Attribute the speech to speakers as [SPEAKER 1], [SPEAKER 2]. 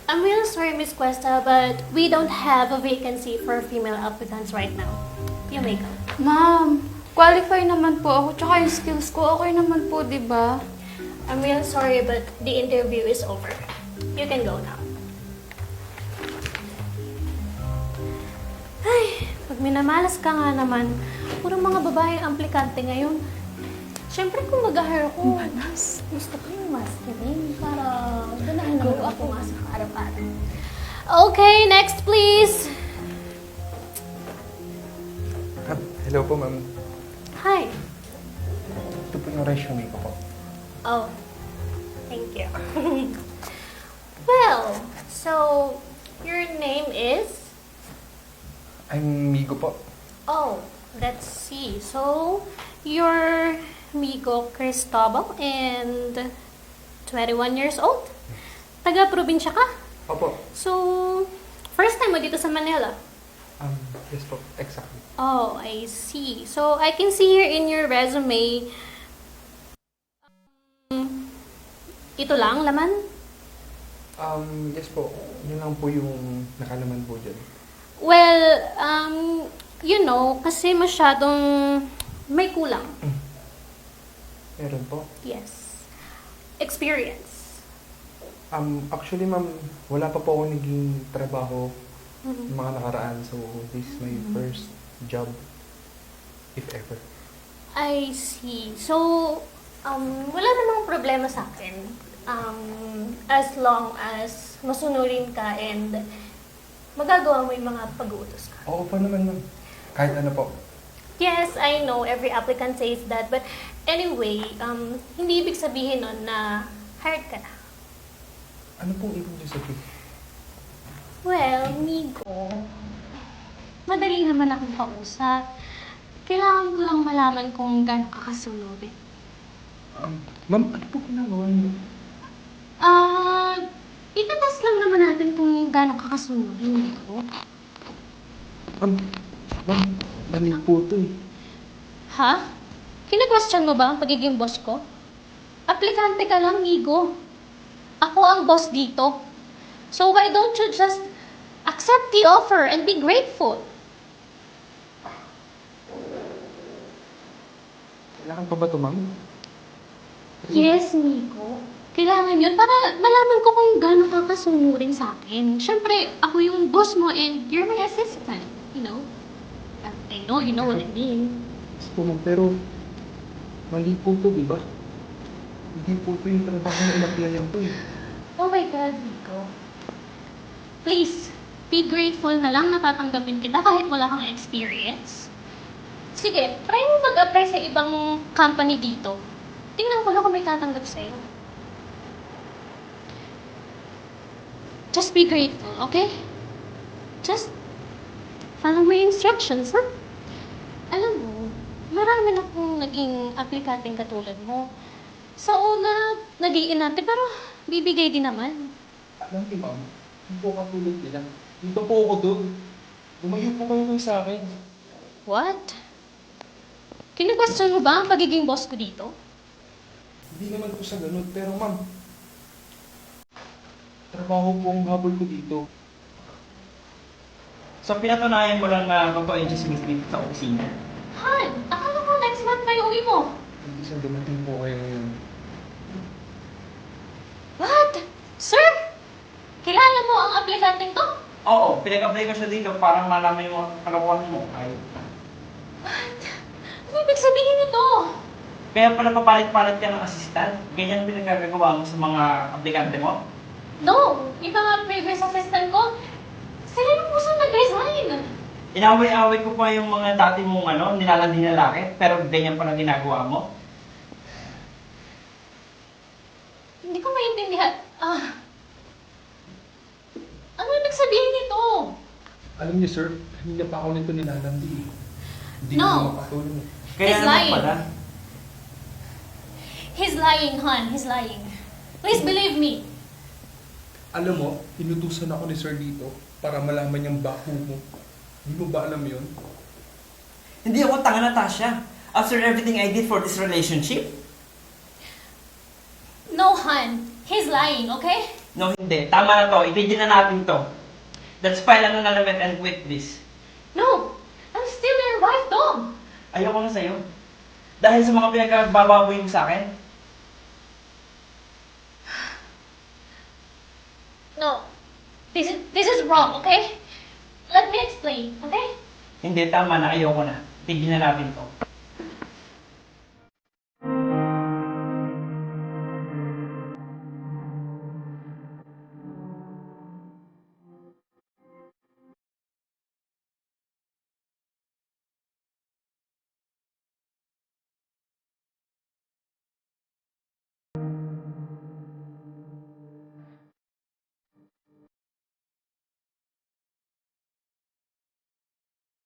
[SPEAKER 1] I'm really sorry, Miss Cuesta, but we don't have a vacancy for female applicants right now. You may go.
[SPEAKER 2] Ma'am, qualify naman po ako. Tsaka yung skills ko, okay naman po, di ba?
[SPEAKER 1] I'm really sorry, but the interview is over. You can go now. Ay, pag minamalas ka nga naman, puro mga babaeng aplikante ngayon. Siyempre kung mag-hire ako, gusto ko yung masculine para ganahin naman ako pumasok araw-araw. Okay, next please.
[SPEAKER 3] Hello po, ma'am.
[SPEAKER 1] Hi.
[SPEAKER 3] Ito po yung resume ko po.
[SPEAKER 1] Oh, thank you. Well, so your name is?
[SPEAKER 3] I'm Migo po.
[SPEAKER 1] Oh, let's see. So you're Migo Cristobal and 21 years old? Taga-probinsya ka?
[SPEAKER 3] Opo.
[SPEAKER 1] So, first time mo dito sa Manila?
[SPEAKER 3] Yes po, exactly.
[SPEAKER 1] Oh, I see. So I can see here in your resume, ito lang, laman?
[SPEAKER 3] Yes po. Yun lang po yung nakalaman po dyan.
[SPEAKER 1] Well, you know, kasi masyadong may kulang.
[SPEAKER 3] Meron po.
[SPEAKER 1] Yes. Experience.
[SPEAKER 3] Actually, ma'am, wala pa po ako naging trabaho ng mga nakaraan. So, this is my first job, if ever.
[SPEAKER 1] I see. So, wala namang problema sa akin. As long as masunurin ka and magagawa mo yung mga pag-uutos ka.
[SPEAKER 3] Oo pa naman, ma'am. Kahit ano po.
[SPEAKER 1] Yes, I know every applicant says that, but anyway, hindi ibig sabihin nun na hired ka na.
[SPEAKER 3] Ano pong ibig niyo sabihin?
[SPEAKER 1] Well, Migo, madali naman akong kausap. Kailangan ko lang malaman kung gaano ka kasunurin.
[SPEAKER 3] Ma'am, ano po ginagawa niyo?
[SPEAKER 1] Itatest lang naman natin kung gaano ka kasunurin, Migo.
[SPEAKER 3] Ma'am, mali po ito eh.
[SPEAKER 1] Ha? Kina-question mo ba ang pagiging boss ko? Aplikante ka lang, Migo. Ako ang boss dito. So why don't you just accept the offer and be grateful?
[SPEAKER 3] Kailangan pa ba ito, ma'am?
[SPEAKER 1] Yes, Nico. Kailangan yun para malaman ko kung gaano ka kasunurin sa akin. Siyempre, ako yung boss mo and you're my assistant, you know? I know, you know what I mean.
[SPEAKER 3] Yes po, ma'am, pero mali po ito, di ba? Hindi po ito yung trabaho na in-applyan ko eh.
[SPEAKER 1] Oh my God, Nico. Please, be grateful na lang na tatanggapin kita kahit wala kang experience. Sige, try mo mag-apply sa ibang company dito. Tingnan ko lang kung may tatanggap sa'yo. Just be grateful, okay? Just follow my instructions, huh? Alam mo, marami na akong naging aplikanteng katulad mo. Sa una, nag-iinarte, pero bibigay din naman.
[SPEAKER 3] Alam niyo, ma'am, hindi po katulad nila. Dito po ako doon. Lumayo po kayo sa akin.
[SPEAKER 1] What? Kinu-question mo ba ang pagiging boss ko dito?
[SPEAKER 3] Hindi naman po sa ganun, pero ma'am, trabaho po ang habol ko dito.
[SPEAKER 4] So, pinatunayan mo lang na totoo yung chismis dito sa opisina.
[SPEAKER 1] Han, akala ko next month pa yung uwi mo.
[SPEAKER 3] Hindi sa dumating po kayo ngayon.
[SPEAKER 1] What? Sir? Kilala mo ang aplikanteng to?
[SPEAKER 4] Oo, pinag-apply ko siya dito para malaman yung mga kalakuan mo. Ay,
[SPEAKER 1] What? Ano ibig sabihin nito?
[SPEAKER 4] kaya pala papalit-palit ka ng assistant. Ganyan pinagkagagawa mo sa mga aplikante mo.
[SPEAKER 1] No, iba nga previous assistant ko. Sila yung puso nag-resign.
[SPEAKER 4] Inaway-away ko pa yung mga dati mong nilalandi na lalaki, pero ganyan pala ginagawa mo.
[SPEAKER 1] Hindi ko maintindihan. Ano ibig sabihin nito?
[SPEAKER 3] Alam niyo, sir, hindi na pa ako nito nilalandi eh. Hindi
[SPEAKER 1] No.
[SPEAKER 3] na makatulong.
[SPEAKER 4] Kaya
[SPEAKER 1] He's
[SPEAKER 4] naman
[SPEAKER 1] lying.
[SPEAKER 4] pala.
[SPEAKER 1] He's lying, Han. He's lying. Please believe me.
[SPEAKER 3] Alam mo, inutusan ako ni sir dito para malaman niyang bako mo. Hindi mo ba alam yun?
[SPEAKER 4] Hindi ako tanga, Natasha. After everything I did for this relationship,
[SPEAKER 1] No, Han. He's lying, okay?
[SPEAKER 4] No, hindi. Tama na to. Itigil na natin to. Let's file an annulment and quit this.
[SPEAKER 1] No! I'm still your wife, Dom!
[SPEAKER 4] Ayoko na sa'yo. Dahil sa mga pinagbababoy mo sa akin.
[SPEAKER 1] No. This is wrong, okay? Let me explain, okay?
[SPEAKER 4] Hindi, tama na. Ayoko na. Tigil na natin to.